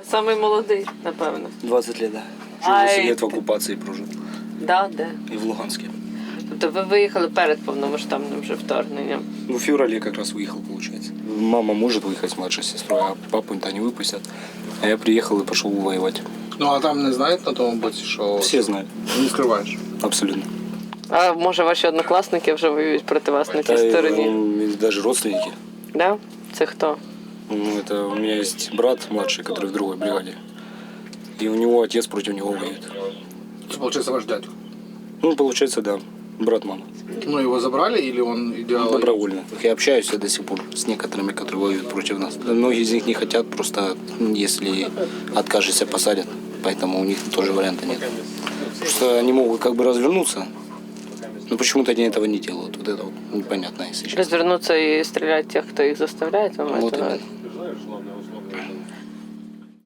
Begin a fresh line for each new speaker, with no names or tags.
Самий молодий, напевно.
20 лет, да.
Ай,
8 лет в
ти-
оккупации прожил.
Да, де?
И в Луганске.
Тобто ви виїхали перед повномасштабним вже вторгненням.
Ну, в феврале как раз выехал, получается. Мама может выехать с младшей сестрой, а папу-то не выпустят. А я приехал и пошел воевать.
Ну а там не знають на тому боці, що
Все знают.
не скриваєш.
Абсолютно.
А може ваші однокласники вже воюють проти вас на тій стороні?
Даже родственники.
Да? Це хто?
Ну, это у меня есть брат младший, который в другой бригаде. И у него отец против него воюет.
Це, виходить, ваш дядько.
Ну, получается, да. Брат мамы.
Ну, его забрали или он идеал?
Добровольно. Я общаюсь до сих пор с некоторыми, которые воюют против нас. Многие из них не хотят, просто если откажешься, посадят. Поэтому у них тоже варианта нет. Просто они могут как бы развернуться, но почему-то они этого не делают. Вот это вот непонятно, если честно.
Розвернуться і стріляти тих, хто їх заставляє? Вам
Вот
це
именно.